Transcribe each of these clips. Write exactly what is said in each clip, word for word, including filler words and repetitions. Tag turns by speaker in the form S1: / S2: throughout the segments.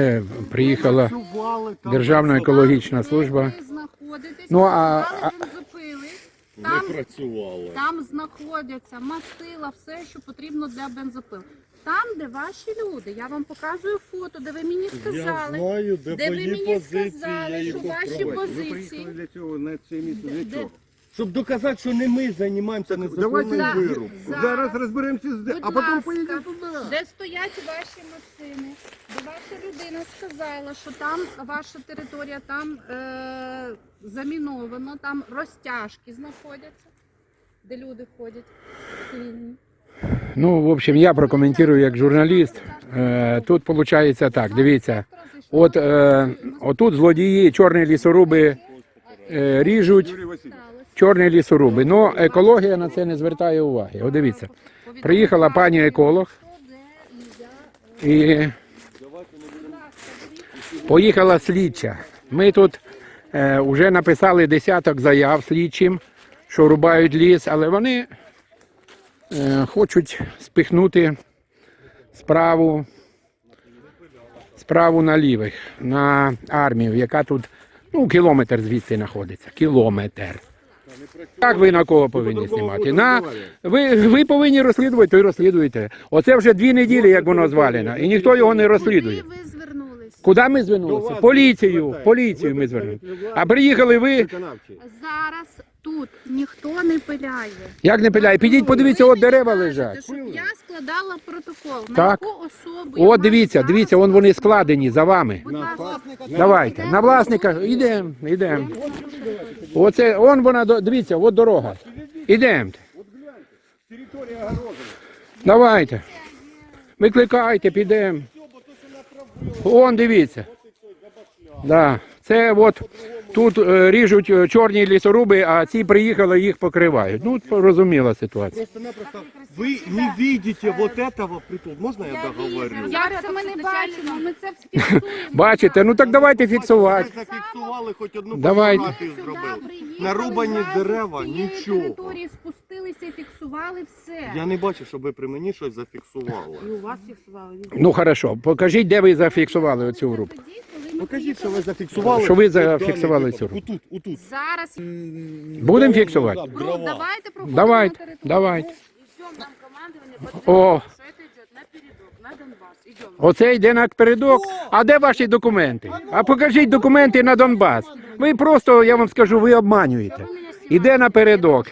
S1: Приїхала Державна екологічна служба. Ну, а, а...
S2: Там, не працювало.
S3: Там знаходяться мастила, все, що потрібно для бензопил. Там, де ваші люди, я вам показую фото, де ви мені сказали,
S2: я знаю, де,
S3: де ви
S2: мої
S3: мені
S2: позиції,
S3: сказали, що ваші позиції.
S4: Ви для цього на це місце для
S3: Де-
S4: чого?
S2: Щоб доказати, що не ми займаємося незаконним
S3: За-
S2: вирубом.
S3: Зараз,
S4: Зараз розберемося, з де,
S3: будь
S4: а потім
S3: ласка,
S4: поїдемо туди.
S3: де стоять ваші машини, де ваша людина сказала, що там ваша територія, там е- заміновано, там розтяжки знаходяться, де люди ходять цивільні.
S1: Ну, в общем, я прокоментую як журналіст. Е, Тут виходить так, дивіться. От е, отут злодії, чорні лісоруби е, ріжуть,
S4: Юрій Васильович,
S1: чорні лісоруби. Ну, екологія на це не звертає уваги. От дивіться, приїхала пані еколог і поїхала слідча. Ми тут е, вже написали десяток заяв слідчим, що рубають ліс, але вони е, хочуть спихнути справу, справу на лівих, на армію, яка тут, ну, кілометр звідси знаходиться. Кілометр. Як ви на кого повинні знімати? На, ви, ви повинні розслідувати, то й розслідуєте. Оце вже дві неділі, як воно звалено, і ніхто його не розслідує.
S3: Куди ви звернулись?
S1: Куди ми звернулися? Поліцію, поліцію ми звернулися. А приїхали ви,
S4: виконавчий.
S3: Зараз тут ніхто не пиляє.
S1: як не пиляє, підіть, подивіться,
S3: Ви
S1: от дерева
S3: мені
S1: лежать.
S3: кажете, щоб я складала протокол. На
S1: Так.
S3: яку особу я
S1: От
S3: маю
S1: дивіться,
S3: зараз
S1: дивіться, вон вони
S3: складати?
S1: складені за вами.
S3: Будь ласка,
S1: Давайте, на власника, йдемо, йдемо. Оце, он вона, до- дивіться, от дорога. Ідемо.
S4: Територія огорожена.
S1: Давайте. Викликайте, підемо. Вон, дивіться. Да. Це от тут е, ріжуть е, чорні лісоруби, а ці приїхали, їх покривають. Ну, зрозуміла ситуація.
S2: Просто-напросто ви не бачите вот этого притул. Можна я договорю?
S3: як це ми не бачимо, ми це фіксуємо.
S1: Бачите, ну так давайте
S2: Ви
S1: фіксувати.
S2: зафіксували, хоч одну
S1: Давайте.
S2: фотографію
S3: Сюди
S2: зробили.
S3: приїхали,
S2: Нарубані
S3: разом з
S2: дерева,
S3: цієї
S2: нічого.
S3: території спустилися і фіксували все.
S2: Я не бачу, щоб ви при мені щось зафіксували.
S3: І у вас фіксували.
S1: Ну, хорошо, покажіть, де ви зафіксували оцю групу.
S3: Тоді, коли ми
S2: Покажіть, що
S3: приїхали.
S2: ви зафіксували.
S1: Що ви
S2: Даний
S1: зафіксували
S2: випадок.
S1: цю руку?
S2: Отут, отут.
S3: Зараз
S1: Будемо фіксувати?
S3: Бру, давайте проходимо
S1: Давайте,
S3: на територію.
S1: давайте.
S3: Идем, нам командование
S1: О.
S3: подтвердило, что это идет на передок, на Донбасс. Идем.
S1: Оце йде напередок. А де ваші документи? А покажіть документи на Донбас. Ви просто, я вам скажу, ви обманюєте. Іде напередок.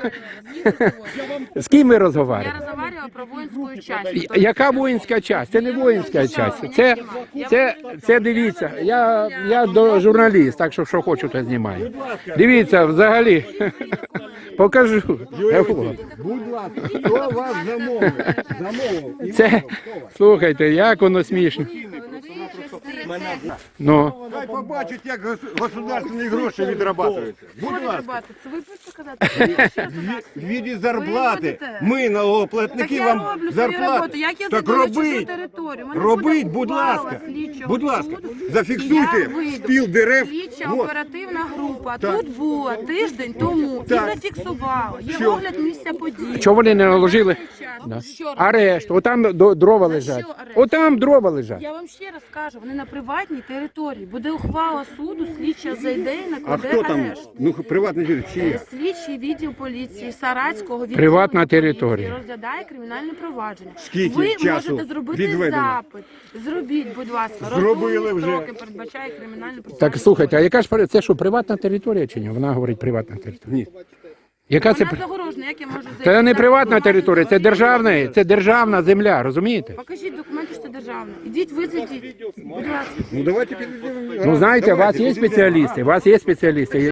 S1: З ким ви
S5: Я
S1: розмовляєте?
S5: разговаривала про воинскую часть.
S1: Я- Яка воїнська часть? Це не воїнська часть. Це, це, це дивіться, я, я до журналіст, так що що хочу, то знімаю. Дивіться, взагалі, покажу.
S4: Будь ласка, хто вас замовив? Замовив.
S1: Це, слухайте, як воно смішно. Ну,
S4: Хай побачать, як гос- государственні гроші відрабатуються. Будь ласка,
S5: Це ви будете казати?
S4: в віді зарплати.
S5: робите?
S4: Ми, налогоплатники,
S5: Так я
S4: вам
S5: роблю свою роботу.
S4: зарплату.
S5: Як я
S4: Так
S5: зайду на чужу
S4: робіть.
S5: територію? У мене
S4: Робіть,
S5: буде
S4: будь
S5: ухвала
S4: ласка.
S5: слідчого
S4: Будь ласка,
S5: суду, і
S4: зафіксуйте
S5: я вийду.
S4: спіл дерев.
S5: Слідча
S4: Вот.
S5: оперативна група
S4: Так.
S5: тут була тиждень тому
S4: Так.
S5: і зафіксувала. Є
S4: Що?
S5: огляд місця події.
S1: чого вони не наложили? Да.
S5: Що раз?
S1: Арешт, отам до- дрова
S5: За
S1: лежать.
S5: що арешт?
S1: Отам дрова лежать.
S5: Я вам ще раз кажу, вони на приватній території. Буде ухвала суду, слідча зайде і
S4: А
S5: накладе
S4: хто там?
S5: арешт.
S4: Ну, приватний житель, чи є?
S5: Слідчий відділ поліції Саратського відділу
S1: Приватна
S5: поліції
S1: територія.
S5: розглядає кримінальне провадження.
S4: Скільки
S5: Ви
S4: часу
S5: можете зробити
S4: відведено?
S5: запит. Зробіть, будь ласка.
S4: Зробили
S5: Розумні
S4: вже.
S5: строки передбачає кримінальне
S1: Так,
S5: процесуальне
S1: слухайте, а яка ж при- це що, приватна територія чи ні? Вона говорить приватна територія.
S4: Ні.
S1: Яка це?
S5: Вона
S1: при-
S5: загорожена, як я можу зайти?
S1: Це не
S5: Так,
S1: приватна
S5: ви
S1: територія, це
S5: маєте
S1: державна, це державна земля, розумієте?
S5: Покажіть документи, що це державне. Ідіть, визайдіть. Будь ласка.
S4: Ну, давайте підійдемо.
S1: Ну, знаєте, у вас
S4: Давайте,
S1: є
S4: підійдемо.
S1: спеціалісти, у вас є спеціалісти.